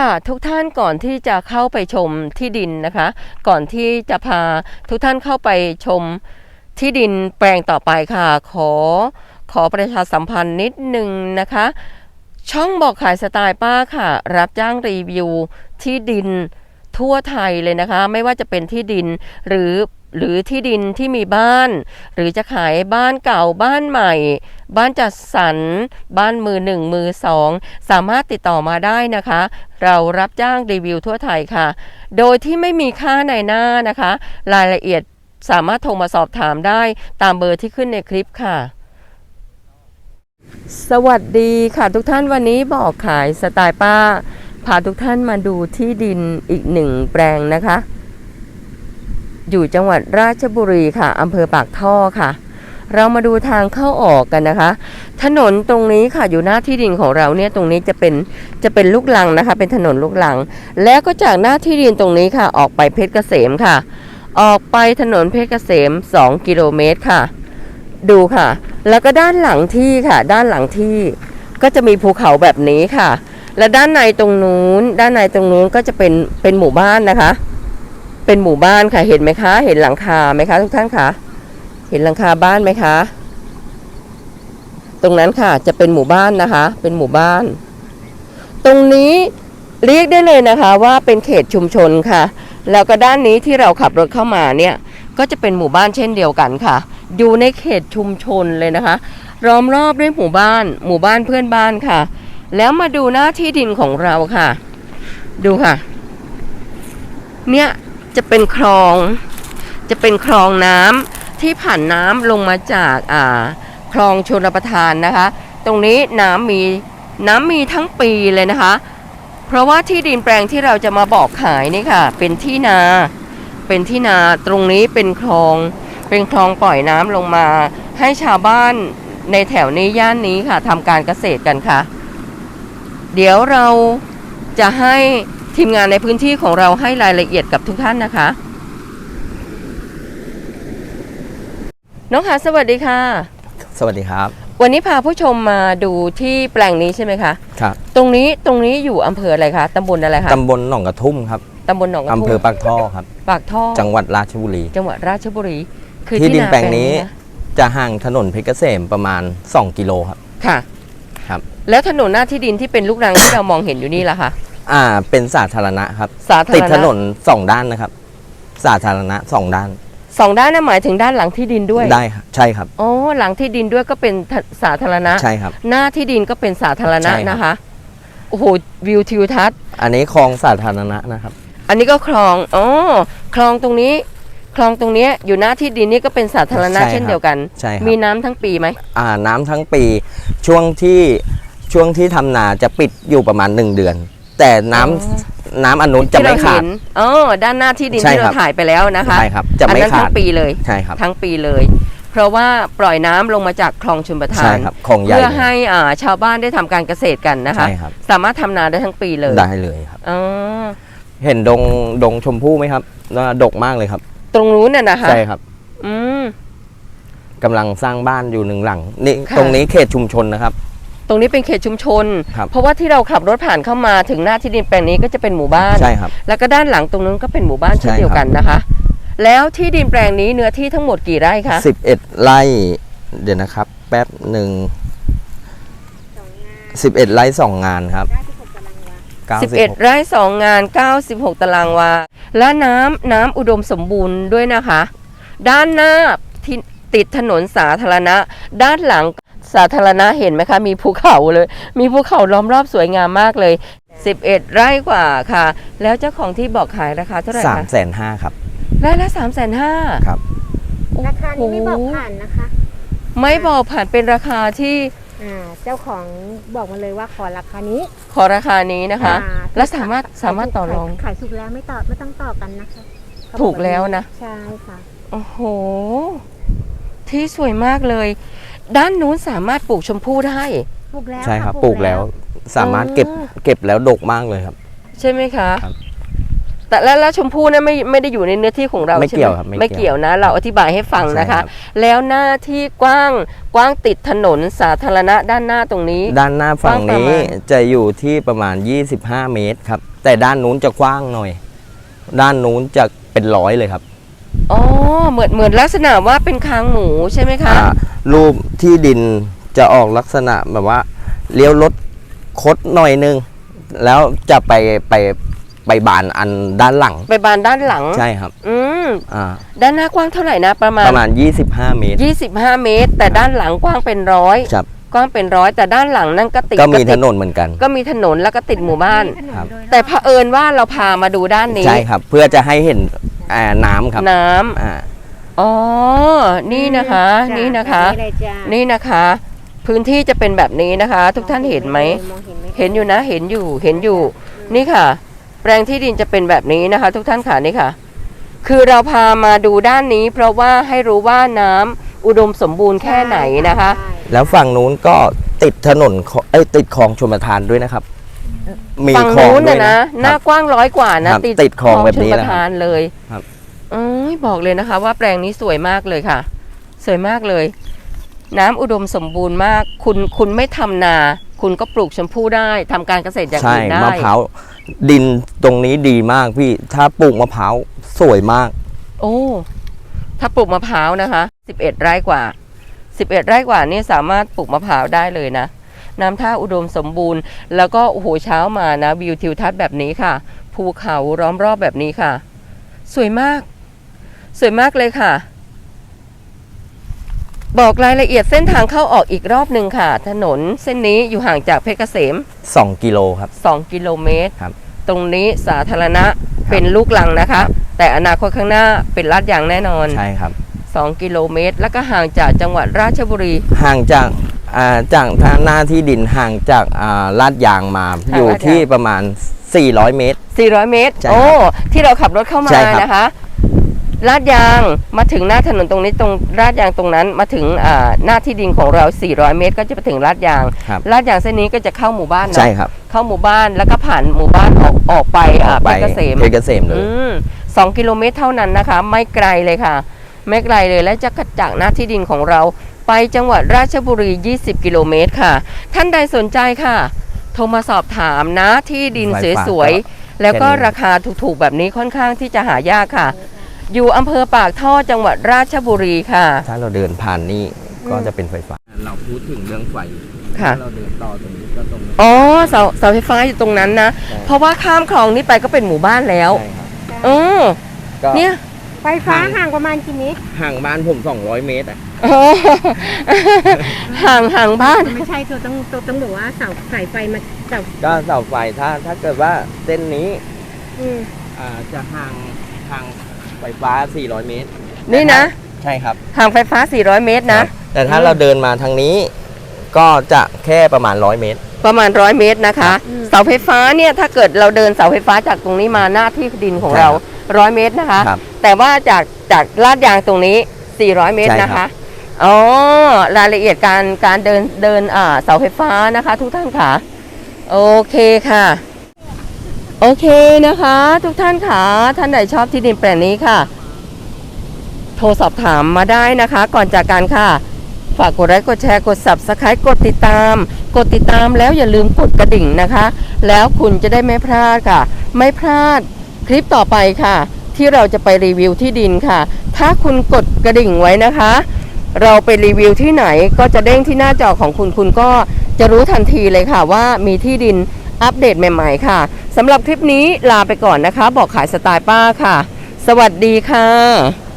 ค่ะทุกท่านก่อนที่จะเข้าไปชมที่ดินนะคะก่อนที่จะพาทุกท่านเข้าไปชมที่ดินแปลงต่อไปค่ะขอประชาสัมพันธ์นิดนึงนะคะช่องบอกขายสไตล์ป้าค่ะรับจ้างรีวิวที่ดินทั่วไทยเลยนะคะไม่ว่าจะเป็นที่ดินหรือที่ดินที่มีบ้านหรือจะขายบ้านเก่าบ้านใหม่บ้านจัดสรรบ้านมือหนึ่งมือสองสามารถติดต่อมาได้นะคะเรารับจ้างรีวิวทั่วไทยค่ะโดยที่ไม่มีค่าในหน้านะคะรายละเอียดสามารถโทรมาสอบถามได้ตามเบอร์ที่ขึ้นในคลิปค่ะสวัสดีค่ะทุกท่านวันนี้บอกขายสไตล์ป้าพาทุกท่านมาดูที่ดินอีกหนึ่งแปลงนะคะอยู่จังหวัดราชบุรีค่ะอำเภอปากท่อค่ะเรามาดูทางเข้าออกกันนะคะถนนตรงนี้ค่ะอยู่หน้าที่ดินของเราเนี่ยตรงนี้จะเป็นลูกรังนะคะเป็นถนนลูกรังแล้วก็จากหน้าที่ดินตรงนี้ค่ะออกไปเพชรเกษมค่ะออกไปถนนเพชรเกษม2 กิโลเมตรค่ะดูค่ะแล้วก็ด้านหลังที่ค่ะด้านหลังที่ก็จะมีภูเขาแบบนี้ค่ะและด้านในตรงนู้นก็จะเป็นหมู่บ้านนะคะเป็นหมู่บ้านค่ะเห็นไหมคะเห็นหลังคาไหมคะทุกท่านคะเห็นหลังคาบ้านไหมคะตรงนั้นค่ะจะเป็นหมู่บ้านนะคะเป็นหมู่บ้านตรงนี้เรียกได้เลยนะคะว่าเป็นเขตชุมชนค่ะแล้วก็ด้านนี้ที่เราขับรถเข้ามาเนี่ยก็จะเป็นหมู่บ้านเช่นเดียวกันค่ะอยู่ในเขตชุมชนเลยนะคะล้อมรอบด้วยหมู่บ้านเพื่อนบ้านค่ะแล้วมาดูหน้าที่ดินของเราค่ะดูค่ะเนี่ยจะเป็นคลองน้ำที่ผ่านน้ำลงมาจากคลองชลประทานนะคะตรงนี้น้ำมีทั้งปีเลยนะคะเพราะว่าที่ดินแปลงที่เราจะมาบอกขายนี่ค่ะเป็นที่นาตรงนี้เป็นคลองปล่อยน้ำลงมาให้ชาวบ้านในแถวนี้ย่านนี้ค่ะทำการเกษตรกันค่ะเดี๋ยวเราจะให้ทีมงานในพื้นที่ของเราให้รายละเอียดกับทุกท่านนะคะน้องค่ะสวัสดีค่ะสวัสดีครับวันนี้พาผู้ชมมาดูที่แปลงนี้ใช่ไหมคะครับตรงนี้อยู่อำเภออะไรคะตำบลอะไรคะตำบลหนองกระทุ่มครับตำบลหนองกระทุ่มอำเภอปากท่อครับปากท่อจังหวัดราชบุรีคือที่ดินแปลงนี้จะห่างถนนเพชรเกษมประมาณ2 กิโลครับค่ะครับแล้วถนนหน้าที่ดินที่เป็นลูกรัง ที่เรามองเห็นอยู่นี่ล่ะคะเป็นสาธารณะครับติดถนน2 ด้านนะครับสาธารณะ2 ด้านนั่นหมายถึงด้านหลังที่ดินด้วยได้ครับใช่ครับอ๋อหลังที่ดินด้วยก็เป็นสาธารณะใช่ครับหน้าที่ดินก็เป็นสาธารณะนะคะโอ้โหวิวทิวทัศน์อันนี้คลองสาธารณะนะครับอันนี้ก็คลองคลองตรงนี้อยู่หน้าที่ดินนี่ก็เป็นสาธารณะเช่นเดียวกันมีน้ำทั้งปีไหมน้ำทั้งปีช่วงที่ทำนาจะปิดอยู่ประมาณ1 เดือนแต่น้ำอนุจะไม่ขาดด้านหน้าที่ดินที่เราถ่ายไปแล้วนะคะใช่ครับจะไม่ขาดทั้งปีเลยใช่ครับทั้งปีเลยเพราะว่าปล่อยน้ำลงมาจากคลองชลประทานเพื่อให้ชาวบ้านได้ทำการเกษตรกันนะคะสามารถทำนาได้ทั้งปีเลยได้เลยครับเห็นดงชมพู่ไหมครับดกมากเลยครับตรงนู้นน่ะนะคะใช่ครับกำลังสร้างบ้านอยู่1 หลังนี่ตรงนี้เขตชุมชนนะครับตรงนี้เป็นเขตชุมชนเพราะว่าที่เราขับรถผ่านเข้ามาถึงหน้าที่ดินแปลงนี้ก็จะเป็นหมู่บ้านใช่ครับแล้วก็ด้านหลังตรงนั้นก็เป็นหมู่บ้านเช่นเดียวกันนะคะแล้วที่ดินแปลงนี้เนื้อที่ทั้งหมดกี่ไร่คะ 11 ไร่เดี๋ยวนะครับแป๊บหนึ่ง11 ไร่ 2 งานครับ 11 ไร่ 2 งาน96 ตารางวาและน้ำอุดมสมบูรณ์ด้วยนะคะด้านหน้าที่ติดถนนสาธารณะด้านหลังสาธารณะเห็นไหมคะมีภูเขาเลยมีภูเขาล้อมรอบสวยงามมากเลย11 ไร่กว่าค่ะแล้วเจ้าของที่บอกขายราคาเท่าไหร่คะ 350,000ครับไร่ละ350,000 ครับราคานี้ไม่บอกผ่านนะคะไม่บอกผ่านเป็นราคาที่เจ้าของบอกมาเลยว่าขอราคานี้นะคะแล้วสามารถต่อรองขายถูกแล้วไม่ต้องต่อกันนะคะถูกแล้วนะใช่ค่ะโอ้โหที่สวยมากเลยด้านนู้นสามารถปลูกชมพู่ได้ปลูกแล้วใช่ครับปลูกแล้วสามารถเก็บแล้วดกมากเลยครับใช่ไหมคะแต่แล้วชมพู่เนี่ยไม่ได้อยู่ในเนื้อที่ของเราไม่ใช่เกี่ไหยวมครับไม่เกี่ยวนะ เราอธิบายให้ฟังนะคะใช่ครับแล้วหน้าที่กว้างติดถนนสาธารณะด้านหน้าตรงนี้ด้านหน้าฝั่งกว้างประนี้มาณจะอยู่ที่ประมาณ 25 เมตรครับ แต่ด้านนู้นจะกว้างหน่อย ด้านนู้นจะเป็น100เลยครับอ๋อเหมือนลักษณะว่าเป็นคางหมูใช่ไหมคะรูปที่ดินจะออกลักษณะแบบว่าเลี้ยวรถคดหน่อยนึง แล้วจะไปบานอันด้านหลังไปบานด้านหลังใช่ครับอืมอ่าด้านหน้ากว้างเท่าไหร่นะประมาณ 25 เมตร 25 เมตร แต่ด้านหลังกว้างเป็นร้อยครับกว้างเป็นร้อยแต่ด้านหลังนั่นก็ติดก็มีติดถนนเหมือนกันก็มีถนนแล้วก็ติดหมู่บ้านถนนครับโดยรอบแต่เผอิญว่าเราพามาดูด้านนี้ใช่ครับ เพื่อจะให้เห็นน้ำครับน้ำอ่าอ๋อ นี่นะคะจ้นี่นะคะแบบเลยจ้ะนี่นะคะ พื้นที่จะเป็นแบบนี้นะคะ ทุกท่านเห็นไหมมองเห็นไหมเห็นอยู่นะ เห็นอยู่ นี่ค่ะ แปลงที่ดินจะเป็นแบบนี้นะคะ ทุกท่านค่ะนี่ค่ะ คือเราพามาดูด้านนี้ เพราะว่าให้รู้ว่าน้ำอุดมสมบูรณ์แค่ไหนนะคะใช่แล้วฝั่งนู้นก็ติดถนนติดคลองชลประทานด้วยนะครับ มีฝั่งคลองนู้นด้วยนะนะหน้ากว้าง100 กว่านะครับติดคลองแบบนี้ชลปนะระทานเลยครับบอกเลยนะคะ ว่าแปลงนี้สวยมากเลยค่ะ สวยมากเลย น้ำอุดมสมบูรณ์มาก คุณไม่ทำนา คุณก็ปลูกชมพู่ได้ทำการเกษตรอย่างใช่อื่นได้มะพร้าวดินตรงนี้ดีมากพี่ ถ้าปลูกมะพร้าวสวยมากโอ้ ถ้าปลูกมะพร้าวนะคะ11 ไร่กว่า11 ไร่กว่านี่สามารถปลูกมะพร้าวได้เลยนะ น้ำท่าอุดมสมบูรณ์ แล้วก็โอ้โหเช้ามานะวิวทิวทัศน์แบบนี้ค่ะ ภูเขาล้อมรอบแบบนี้ค่ะ สวยมาก สวยมากเลยค่ะ บอกรายละเอียดเส้นทางเข้าออกอีกรอบหนึ่งค่ะ ถนนเส้นนี้อยู่ห่างจากเพชรเกษม 2 กิโลครับ 2 กิโลเมตรครับตรงนี้สาธารณะเป็นลูกลังนะคะ แต่อนาคตข้างหน้าเป็นลาดยางแน่นอนใช่ครับ 2 กิโลเมตร แล้วก็ห่างจากจังหวัดราชบุรีห่างจากหน้าที่ดินห่างจากลาดยางมาห่างอยู่ลาดยางที่ประมาณ 400 เมตร 400 เมตรใช่ครับโอ้ ที่เราขับรถเข้ามาใช่ครับนะคะ ลาดยางมาถึงหน้าถนนตรงนี้ตรงลาดยางตรงนั้นมาถึงหน้าที่ดินของเรา 400 เมตร ก็จะไปถึงลาดยางครับลาดยางเส้นนี้ก็จะเข้าหมู่บ้านเนอะใช่ครับเข้าหมู่บ้านแล้วก็ผ่านหมู่บ้านออกไปออกเพไปชรเกษมเพชรเกษมเลย 2 กิโลเมตรเท่านั้นนะคะ ไม่ไกลเลยค่ะ ไม่ไกลเลยและจะจากหน้าที่ดินของเรา ไปจังหวัดราชบุรี 20 กิโลเมตรค่ะ ท่านใดสนใจค่ะ โทรมาสอบถามนะที่ดินสวยๆแล้วก็ราคาถูกๆแบบนี้ค่อนข้างที่จะหายากค่ะ อยู่อำเภอปากท่อจังหวัดราชบุรีค่ะถ้าเราเดินผ่านนี่ก็จะเป็นไฟฟ้า เราพูดถึงเรื่องไฟค่ะถ้าเราเดินต่อตรงนี้ก็ตรงนี้อ๋อเสาไฟฟ้าอยู่ตรงนั้นนะใช่เพราะว่าข้ามคลองนี้ไปก็เป็นหมู่บ้านแล้วใช่ครับเออก็เนี่ยไฟฟ้าห่างประมาณกี่เมตรห่างบ้านผม200 เมตรอ่ะอ๋อ ห่างบ้านไม่ใช่ตัวต้องบอกว่าเสาสายไฟมาเสาก็เสาไฟถ้าเกิดว่าเส้นนี้อืมจะห่างไฟฟ้า 400 เมตรนี่นะใช่ครับห่างไฟฟ้า 400 เมตรนะแต่ถ้าเราเดินมาทางนี้ ก็จะแค่ประมาณ100 เมตรประมาณ100 เมตรนะคะ เสาไฟฟ้าเนี่ยถ้าเกิดเราเดินเสาไฟฟ้าจากตรงนี้มาหน้าที่ดินของเรา 100 เมตรนะคะครับแต่ว่าจากลาดยางตรงนี้ 400 เมตรใช่นะครัคะบอ๋อ รายละเอียดการเดินเสาไฟฟ้านะคะ ทุกท่านค่ะ โอเคค่ะ โอเคนะคะ ทุกท่านค่ะ ท่านไหนชอบที่ดินแปลงนี้ค่ะ โทรสอบถามมาได้นะคะ ก่อนจากกันค่ะ ฝากกดไลค์กดแชร์กด Subscribe กดติดตามแล้วอย่าลืมกดกระดิ่งนะคะ แล้วคุณจะได้ไม่พลาดค่ะ ไม่พลาดคลิปต่อไปค่ะ ที่เราจะไปรีวิวที่ดินค่ะ ถ้าคุณกดกระดิ่งไว้นะคะ เราไปรีวิวที่ไหนก็จะเด้งที่หน้าจอของคุณคุณก็จะรู้ทันทีเลยค่ะว่ามีที่ดินอัปเดตใหม่ๆค่ะสำหรับคลิปนี้ลาไปก่อนนะคะ บอกขายสไตล์ป้าค่ะ สวัสดีค่ะ